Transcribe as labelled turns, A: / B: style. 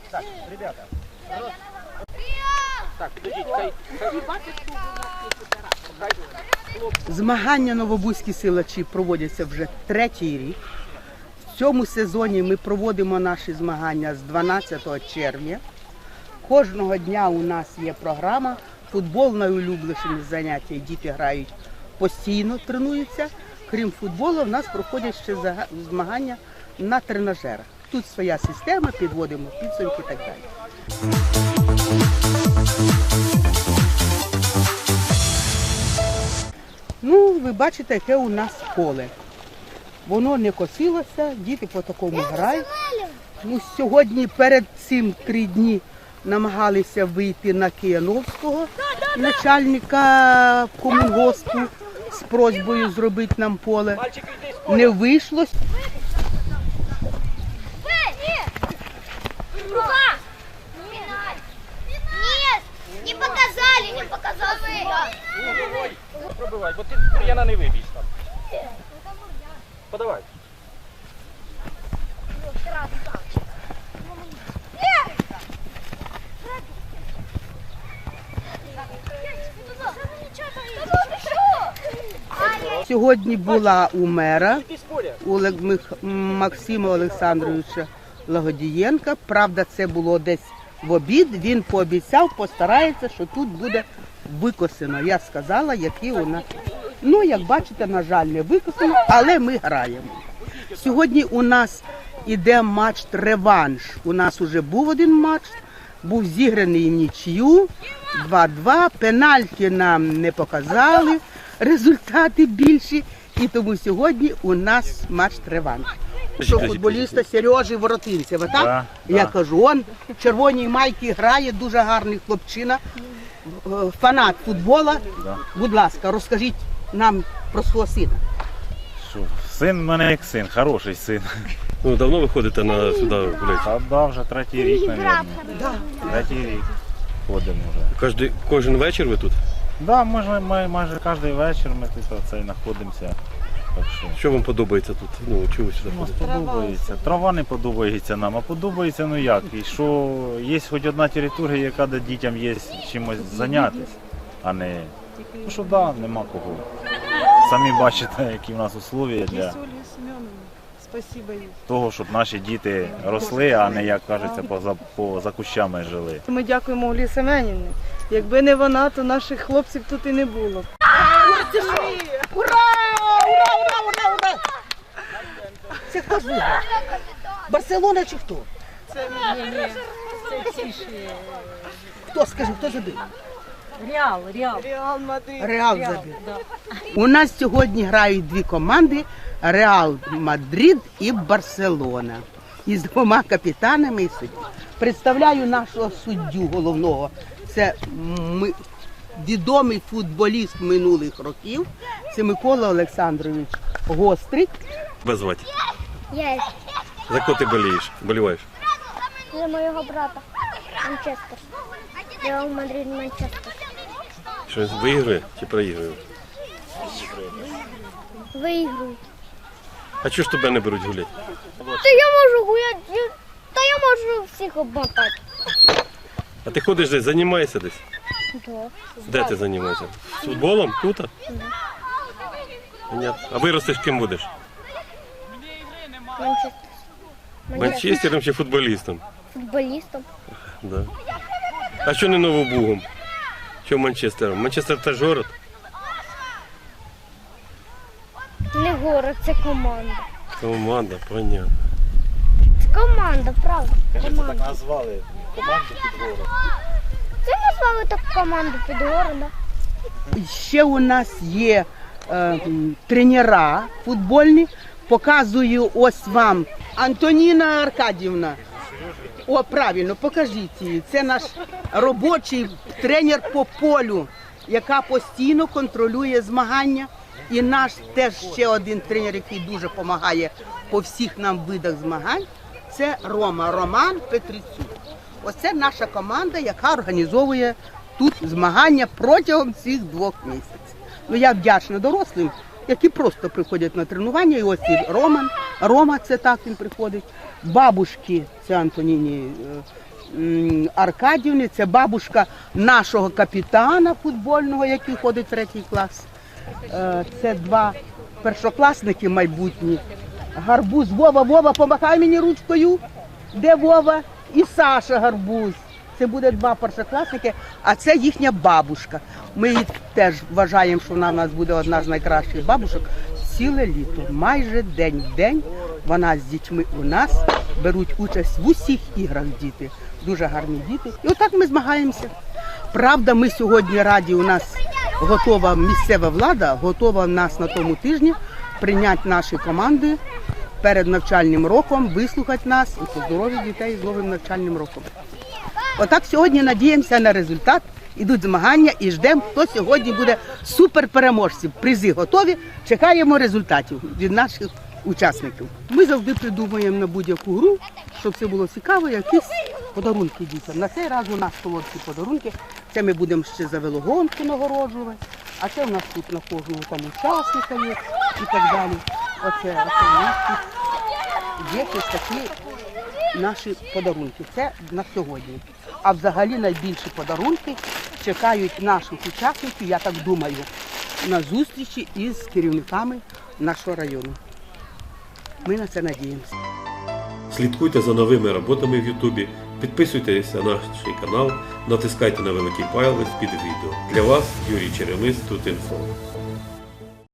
A: Так, ребята. Так, підождіть, хай.
B: Змагання новобузькі силачі проводяться вже третій рік. В цьому сезоні ми проводимо наші змагання з 12 червня. Кожного дня у нас є програма. Футбол найулюбленіше заняття. Діти грають постійно, тренуються. Крім футболу, в нас проходять ще змагання на тренажерах. Тут своя система, підводимо підсумки і так далі. Ну, ви бачите, яке у нас поле. Воно не косилося, діти по такому грають. Ну, сьогодні перед цим 3 дні намагалися вийти на Кияновського, начальника комунгоспу, з просьбою зробити нам поле. Не вийшло.
C: Не показали.
A: Пробивай, бо ти бур'яна не вибіж там. Подавай.
B: Сьогодні була у мера, у Максима Олександровича Лагодієнка. Правда, це було десь в обід. Він пообіцяв, постарається, що тут буде викосено. Я сказала, які у нас. Ну, як бачите, на жаль, не викосено, але ми граємо. Сьогодні у нас іде матч-реванш. У нас вже був один матч, був зіграний в нічию, 2-2. Пенальті нам не показали, результати більші. І тому сьогодні у нас матч-реванш. Що футболіста Сережі Воротинцева, так?
D: Да,
B: Я кажу, він в червоній майці грає, дуже гарний хлопчина, фанат футболу.
D: Да.
B: Будь ласка, розкажіть нам про свого сина.
D: Що, син в мене як син, хороший син.
E: Ну, давно ви ходите сюди гуляти?
D: Та да, вже 3-й рік, мабуть. 3-й рік ходимо вже.
E: Кожен вечір ви тут?
D: Да, ми майже кожен вечір ми тут знаходимося. Так
E: що вам подобається тут? Ну, чого ви сюди
D: нас
E: ходите?
D: подобається. Трава не подобається нам, а подобається, ну як. І що є хоч одна територія, яка де дітям є чимось зайнятися, а не... Ну що да, нема кого. Самі бачите, які в нас условия для того, щоб наші діти росли, а не, як кажеться, за кущами жили.
F: Ми дякуємо Олі Семенівні. Якби не вона, то наших хлопців тут і не було.
B: Ура! Ура! Це хто ж виграв? Барселона чи хто?
F: Це
B: Хто, скажи, хто забив?
F: Реал Мадрид.
B: Реал забив. У нас сьогодні грають 2 команди – Реал Мадрид і Барселона. Із 2 капітанами і суддю. Представляю нашого суддю головного. Це відомий футболіст минулих років. Це Микола Олександрович Гострик.
E: Тебе звати?
C: Я
E: За кого ти боліваєш?
C: за моего брата. Манчестер. Реал Мадрид, Манчестер.
E: Що, виграє чи проігрує?
C: Выиграют.
E: А чого ж тебе не беруть гуляти?
C: Та я можу гуляти, та я можу всіх обмотати.
E: А ти ходиш десь, займаєшся десь?
C: Да.
E: Де ти займаєшся? Футболом? Тут? Понятно. А виростеш ким будеш?
C: Манчестер.
E: Манчестером чи футболістом?
C: Футболістом.
E: Да. А що не Новобугом? Чого Манчестером? Манчестер теж город?
C: Не город, це команда.
E: Команда, понятно.
C: Це команда, правда.
D: Кажеться,
C: Команда.
D: так назвали команду під город.
C: Це назвали так команду під городом.
B: Ще у нас є тренера футбольні. Показую ось вам. Антоніна Аркадівна. О, правильно, покажіть її. Це наш робочий тренер по полю, яка постійно контролює змагання. І наш теж ще один тренер, який дуже допомагає по всіх нам видах змагань, це Роман Петрицюк. Оце наша команда, яка організовує тут змагання протягом цих 2 місяців. Ну, я вдячна дорослим, які просто приходять на тренування. І ось і Рома, це так він приходить. Бабушки, це Антоніні Аркадівни, це бабушка нашого капітана футбольного, який ходить в 3 клас. Це 2 першокласники майбутні. Гарбуз, Вова, помахай мені ручкою. Де Вова? І Саша Гарбуз. Це буде 2 першокласники, а це їхня бабушка. Ми її теж вважаємо, що вона в нас буде одна з найкращих бабушок. Ціле літо, майже день в день вона з дітьми у нас беруть участь в усіх іграх діти. Дуже гарні діти. І отак ми змагаємося. Правда, ми сьогодні раді, у нас готова місцева влада, готова в нас на тому тижні прийняти наші команди перед навчальним роком, вислухати нас і поздоровити дітей з новим навчальним роком. Отак сьогодні надіємося на результат, ідуть змагання і ждемо, хто сьогодні буде суперпереможцем. Призи готові, чекаємо результатів від наших учасників. Ми завжди придумуємо на будь-яку гру, щоб це було цікаво, якісь подарунки дітям. На цей раз у нас солодкі подарунки. Це ми будемо ще за велогонку нагороджувати, а це у нас тут на кожного там учасника є і так далі. Оце у нас тут є ось такі наші подарунки. Це на сьогодні. А взагалі найбільші подарунки чекають наших учасників, я так думаю, на зустрічі із керівниками нашого району. Ми на це надіємося.
E: Слідкуйте за новими роботами в Ютубі, підписуйтесь на наш канал, натискайте на великий палець під відео. Для вас Юрій Черемис, Тут інфо.